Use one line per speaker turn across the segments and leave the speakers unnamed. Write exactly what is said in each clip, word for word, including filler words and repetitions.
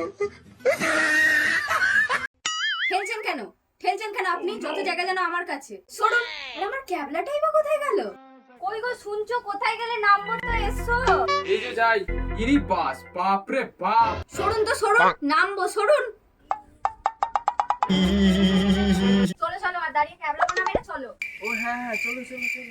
ঠেলছেন কেন ঠেলছেন কেন আপনি? যত জায়গা যেন আমার কাছে সরুন। আমার ক্যাবলাটাই বা কোথায় গেল? কই গো শুনছো? কোথায় গেলে? নামবো তো, এসো।
এই যে যাই। ইরি বাস, বাপ রে বাপ।
সরুন তো সরুন, নামবো, সরুন। চলো চলো, আর দাঁড়িয়ে ক্যাবলা বানাবে না, চলো।
ও হ্যাঁ হ্যাঁ, চলো চলো চলো।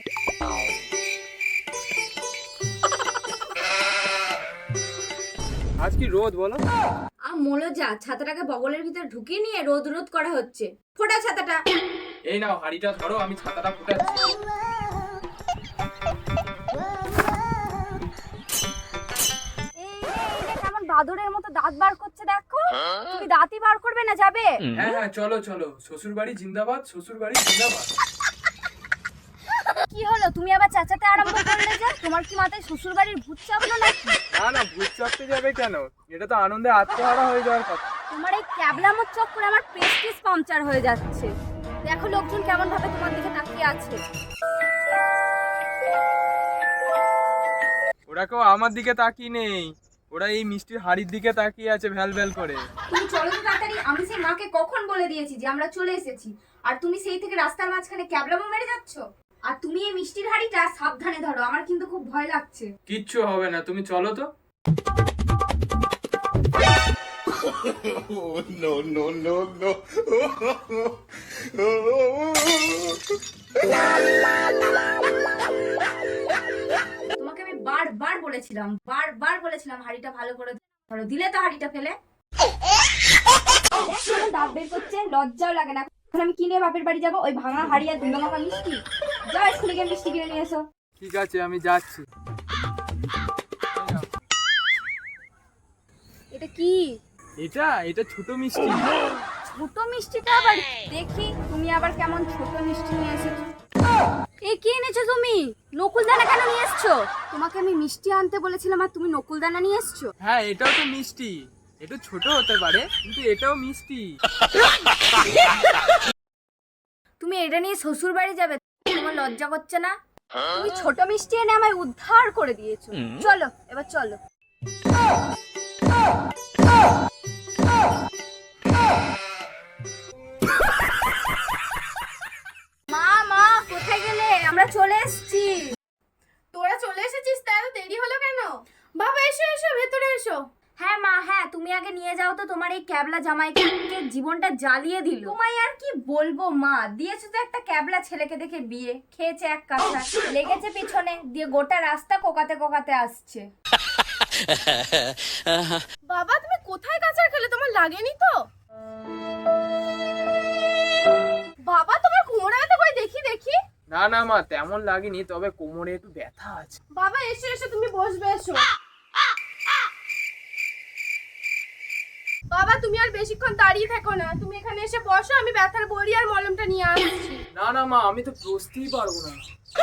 আজ কি রোদ বলো?
আ মোলো যা, ছাতাটাকে বগলের ভিতর ঢুকিয়ে নিয়ে রোদ রোদ করা হচ্ছে। ফোটা ছাতাটা।
এই নাও হাড়িটা ধরো, আমি ছাতাটা ফুটাচ্ছি।
এই রে, এই রে, কেমন বাদুড়ের মতো দাঁত বার করছে দেখো। তুমি দাঁতই বার করবে না, যাবে?
হ্যাঁ হ্যাঁ, চলো চলো। শ্বশুর বাড়ি জিন্দাবাদ, শ্বশুর বাড়ি জিন্দাবাদ।
কি হলো, তুমি আবার চেঁচাতে আরম্ভ করলে যে? তোমার কি মাথায় শ্বশুর বাড়ির ভূত চাপলো নাকি?
না না, ভূত চাপতে যাবে কেন? এটা তো আনন্দে আত্মহারা হয়ে যাওয়ার কথা।
তোমার এই ক্যাবলামোর চক্করে আমার প্রেস্টিজ পাংচার হয়ে যাচ্ছে। দেখো লোকজন কেমন ভাবে তোমার দিকে তাকিয়ে আছে।
ওরা কেউ আমার দিকে তাকিয়ে নেই, ওরা এই মিষ্টির হাড়ির দিকে তাকিয়ে আছে ভ্যাল ভ্যাল করে।
তুমি চলো তো তাড়াতাড়ি। আমি সেই মাকে কখন বলে দিয়েছি যে আমরা চলে এসেছি, আর তুমি সেই থেকে রাস্তার মাঝখানে ক্যাবলামো মেরে যাচ্ছ। আর তুমি এই মিষ্টির হাড়িটা সাবধানে ধরো, আমার কিন্তু খুব ভয় লাগছে।
কিচ্ছু হবে না, তুমি চলো তো।
Oh, no, no, no, no.
তোমাকে আমি বারবার বলেছিলাম, বারবার বলেছিলাম হাড়িটা ভালো করে ধরো, দিলে তো হাড়িটা ফেলে। দাঁত বের করছে, লজ্জাও লাগে না। এখন আমি কিনে বাপের বাড়ি যাবো, ওই ভাঙা হাড়ি আর দুটো মাখা মিষ্টি। যাও স্কুলে গিয়ে মিষ্টি কিনে নিয়ে এসো।
ঠিক আছে, আমি যাচ্ছি।
এটা কি?
এটা এটা ছোট মিষ্টি।
ছোট মিষ্টিটা আবার দেখি, তুমি আবার কেমন ছোট মিষ্টি নিয়ে এসেছো। এ কি এনেছো তুমি? নকুলদানা কেন নিয়ে এসছো? তোমাকে আমি মিষ্টি আনতে বলেছিলাম আর তুমি নকুলদানা নিয়ে এসছো।
হ্যাঁ, এটাও তো মিষ্টি। এটা ছোট হতে পারে কিন্তু এটাও মিষ্টি।
তুমি এটা নিয়ে শ্বশুর বাড়ি যাবে, তোমার লজ্জা করছে না? তুমি ছোট মিষ্টি এনে আমায় উদ্ধার করে দিয়েছো। চলো এবার চলো। মা মা কোথায় গেলে? আমরা চলে এসেছি।
তোরা চলে এসেছিস? তা এত দেরি হলো কেন? বাবা এসো এসো, ভেতরে এসো।
হ্যাঁ মা, হ্যাঁ তুমি আগে নিয়ে যাও তো। তোমার এই ক্যাবলা জামাইকে জীবনটা জ্বালিয়ে দিল। তোমায় আর কি বলবো মা, দিয়েছো তো একটা ক্যাবলা ছেলেকে দেখে বিয়ে, খেয়েছে এক কাঁচা, লেগেছে পিছনে, দিয়ে গোটা রাস্তা কোকাতে কোকাতে আসছে।
বাবা তুমি কোথায় কাঁচার খেলে? তোমার লাগেনি তো? বাবা তোমার কোমরে ব্যথা করে, দেখি দেখি।
না না মা, তেমন লাগেনি, তবে কোমরে একটু ব্যথা আছে।
বাবা এসো এসো, তুমি বসবে, এসো। বাবা তুমি আর বেশিক্ষণ দাঁড়িয়ে থেকো না, তুমি এখানে এসে বসো, আমি ব্যথার বড়ি আর মলমটা নিয়ে আসছি।
না না মা, আমি তো বসতেই পারবো না।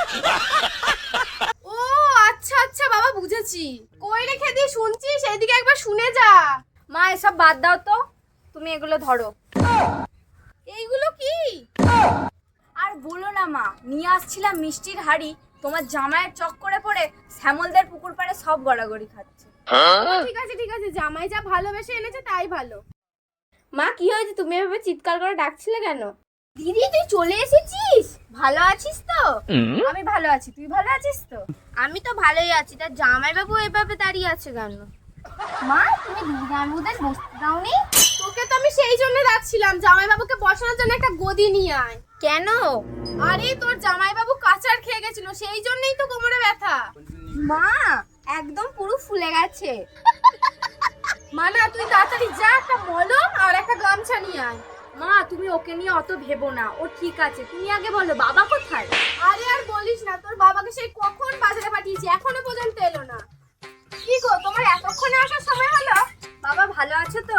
ও আচ্ছা আচ্ছা বাবা, বুঝেছি। কই রেখে দিয়ে শুনছিস? এইদিকে একবার শুনে যা।
মা এসব বাদ দাও তো, তুমি এগুলো ধরো।
এইগুলো কি?
আর বলো না মা, নিয়ে আসছিলাম মিষ্টির হাড়ি, তোমার জামাইয়ের চক্করে পড়ে শ্যামলদের পুকুর পাড়ে সব গড়াগড়ি খাচ্ছে।
ঠিক আছে ঠিক আছে, জামাই যা ভালোবেসে এনেছে তাই ভালো।
মা কি হয়েছে, তুমি এভাবে চিৎকার করে ডাকছিলে কেন? দিদি তুই চলে এসেছিস, ভালো আছিস তো? আমি ভালো আছি, তুই ভালো আছিস তো?
আমি তো ভালোই আছি, তার জামাই বাবু এভাবে দাঁড়িয়ে আছে কেন?
মা তুমি দিদি গামুদের বসতে দাওনি?
তোকে তো আমি সেই জন্য ডাকছিলাম, জামাই বাবুকে বসানোর জন্য একটা গদি নিয়ে আয়।
কেন?
আরে তোর জামাই বাবু কাঁচার খেয়ে গেছিল, সেই জন্যই তো কোমরে ব্যথা।
মা একদম পুরো ফুলে গেছে।
মানা তুই তাড়াতাড়ি যা, একটা মলম আর একটা গামছা নিয়ে আয়।
মা তুমি ওকে নিয়ে অত ভেবো না, ও ঠিক আছে। তুমি আগে বলো বাবা কোথায়?
আরে আর বলিস না, তোর বাবাকে সেই কখন বাজারে পাঠিয়েছি, এখনো পর্যন্ত এলো না। কি গো তোমার এতক্ষণে আসার সময় হলো?
বাবা ভালো আছে তো?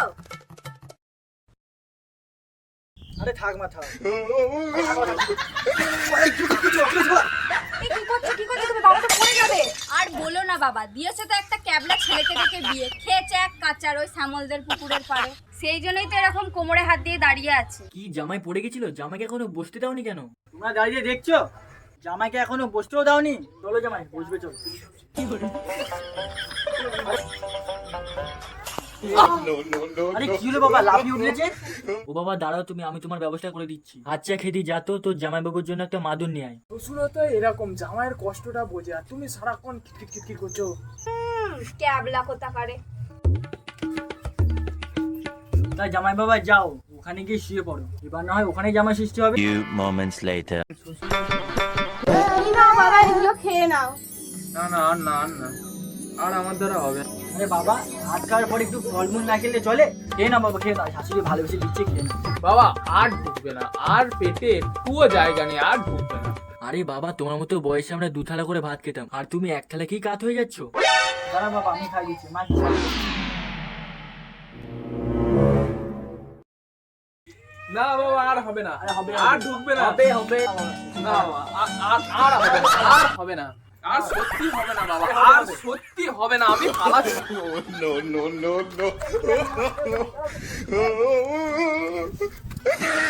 আরে থাক মা থাক।
এই কি করছো কি করছো তুমি? বাবা তো পড়ে যাবে। আর বলো না বাবা, দিয়েছে তো একটা ক্যাবলা ছেলেকে দেখে বিয়ে, খেয়েছে এক কাঁচার ওই শ্যামলদের পুকুরের পাড়ে, সেই জন্যই তো এরকম কোমরে হাত দিয়ে দাঁড়িয়ে আছে।
কি জামাই পড়ে গেছিল? জামাইকে এখনো বসতে দাওনি কেন?
তোমরা দাঁড়িয়ে দেখছো, জামাইকে এখনো বসতেও দাওনি। চলো জামাই বসবে, চলো। আরে কি হলো বাবা, লাফিয়ে উঠেছে?
ও বাবা দাঁড়াও তুমি, আমি তোমার ব্যবস্থা করে দিচ্ছি। আচ্ছা খেদি যা তো, তোর জামাইবাবুর জন্য একটা মাদুর নিয়ে আয়।
শ্বশুরও তো এরকম জামাইয়ের কষ্টটা বোঝে, আর তুমি সারাক্ষণ খিটখিট খিটখিট করছো।
হুম, ক্যাবলা কোথাকারে।
তাই জামাই বাবা যাও, ওখানে গিয়ে শুয়ে পড়ো। এবার না হয় ওখানে জামাই সৃষ্টি হবে।
Few moments later.
এই নাও বাবা, এগুলো খেয়ে নাও।
না না আর না আর না আর আমার দ্বারা হবে না।
আরে বাবা, ভাত খাওয়ার পর একটু ফলমূল না খেলে চলে? খেয়ে নাও বাবা, খেয়ে নাও, শাশুড়ি ভালোবেসে দিচ্ছে, খেয়ে নাও।
বাবা আর ঢুকবে না, আর পেটে একটুও জায়গা নেই, আর ঢুকবে না।
আরে বাবা তোমার মতো বয়সে আমরা দু থালা করে ভাত খেতাম, আর তুমি এক থালা কি কাত হয়ে যাচ্ছ?
দাঁড়া বাবা, আমি খাই দিচ্ছি, মা কি খাবে?
না বাবা আর হবে না,
আরে হবে,
আর
হবে।
ঢুকবে না।
হবে হবে
না বাবা, আর- আর- আর হবে না, আর হবে না, আর সত্যি হবে না বাবা, আর সত্যি হবে না, আমি পালাচ্ছি।
No, no, no, no.